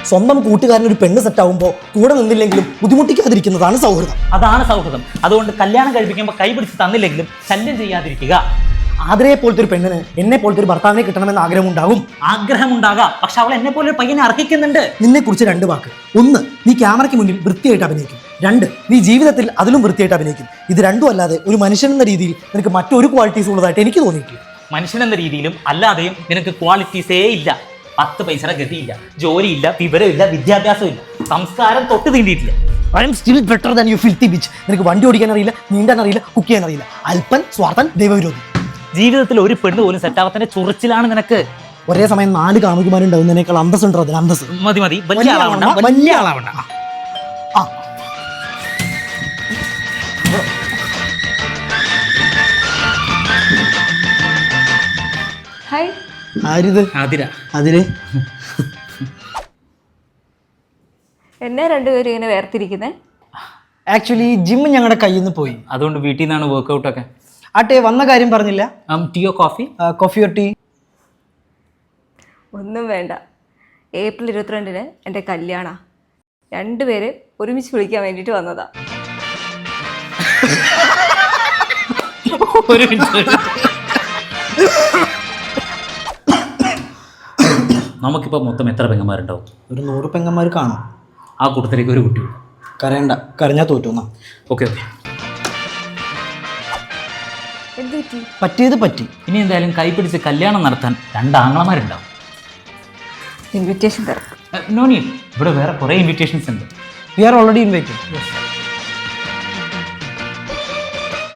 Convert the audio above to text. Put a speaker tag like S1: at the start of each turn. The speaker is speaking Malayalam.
S1: സ്വന്തം കൂട്ടുകാരൻ ഒരു പെണ്ണ് സെറ്റ് ആവുമ്പോൾ കൂടെ നിന്നില്ലെങ്കിലും ബുദ്ധിമുട്ടിക്കാതിരിക്കുന്നതാണ് സൗഹൃദം.
S2: അതാണ് സൗഹൃദം. അതുകൊണ്ട് കല്യാണം കഴിപ്പിക്കുമ്പോൾ കൈ പിടിച്ച് തന്നില്ലെങ്കിലും ശല്യം ചെയ്യാതിരിക്കുക.
S1: ആതിരയെ പോലത്തെ ഒരു പെണ്ണിന് എന്നെ പോലത്തെ ഒരു ഭർത്താവിനെ കിട്ടണമെന്ന്
S2: ആഗ്രഹമുണ്ടാകാം. പക്ഷെ അവൾ എന്നെ പോലെ ഒരു പയ്യനെ അർഹിക്കുന്നുണ്ട്.
S1: നിന്നെ കുറിച്ച് 2 വാക്ക്. 1, നീ ക്യാമറയ്ക്ക് മുന്നിൽ വൃത്തിയായിട്ട് അഭിനയിക്കും. 2, നീ ജീവിതത്തിൽ അതിലും വൃത്തിയായിട്ട് അഭിനയിക്കും. ഇത് രണ്ടും അല്ലാതെ ഒരു മനുഷ്യൻ എന്ന രീതിയിൽ നിനക്ക് മറ്റൊരു ക്വാളിറ്റീസ് ഉള്ളതായിട്ട് എനിക്ക് തോന്നിയിട്ടില്ല.
S2: മനുഷ്യൻ എന്ന രീതിയിലും അല്ലാതെയും നിനക്ക് ക്വാളിറ്റീസേ ഇല്ല. 10 പൈസയുടെ ഗതിയില്ല, ജോലിയില്ല, വിവരമില്ല, വിദ്യാഭ്യാസമില്ല, സംസ്കാരം തൊട്ട് തീണ്ടിയിട്ടില്ല.
S1: I am still better than you filthy bitch. നിനക്ക് വണ്ടി ഓടിക്കാൻ അറിയില്ല, നീന്താൻ അറിയില്ല, കുക്ക് ചെയ്യാൻ അറിയില്ല. അല്പൻ, സ്വാർത്ഥൻ, ദൈവവിരോധി.
S2: ജീവിതത്തിൽ ഒരു പെണ്ണ് പോലും സെറ്റാവത്തിന്റെ ചൊറിച്ചിലാണ് നിനക്ക്.
S1: ഒരേ സമയം 4 കാമുകിമാരുണ്ടാവുന്നതിനേക്കാൾ അന്തസ്സുണ്ടോ അതിന്? അന്തസ്
S2: മതി. വലിയ ആളാവണ്ട.
S3: ഹായ്.
S1: ആരിത്? അതില്
S3: എന്നെ രണ്ടുപേരും ഇങ്ങനെ വേർതിരിക്കുന്നത്?
S1: ആക്ച്വലി ജിം ഞങ്ങളുടെ കയ്യിൽ നിന്ന് പോയി.
S2: അതുകൊണ്ട് വീട്ടിൽ നിന്നാണ് വർക്ക്ഔട്ട് ഒക്കെ.
S1: ആട്ടെ, വന്ന കാര്യം പറഞ്ഞില്ല.
S2: ടീയോ കോഫി?
S1: Coffee or tea?
S3: ഒന്നും വേണ്ട. ഏപ്രിൽ 22-ന് എൻ്റെ കല്യാണം. രണ്ടുപേരെ ഒരുമിച്ച് വിളിക്കാൻ വേണ്ടിയിട്ട് വന്നതാ.
S2: ഒരു മിനിറ്റ്. നമുക്കിപ്പോൾ മൊത്തം എത്ര പെങ്ങന്മാരുണ്ടാവും?
S1: ഒരു 100 പെങ്ങന്മാർ കാണും.
S2: ആ കൂട്ടത്തിലേക്ക് ഒരു കുട്ടി.
S1: കരയണ്ട, കരഞ്ഞാൽ തോറ്റുന്ന.
S2: ഓക്കെ.
S3: എന്ത് പറ്റി?
S1: പറ്റിയത് പറ്റി.
S2: ഇനി എന്തായാലും കൈപിടിച്ച് കല്യാണം നടത്താൻ 2 ആങ്ങളമാരുണ്ടാവും.
S3: ഇൻവിറ്റേഷൻ തരാം.
S2: No need. ഇവിടെ വേറെ കുറേ ഇൻവിറ്റേഷൻസ് ഉണ്ട്.
S1: We are already invited.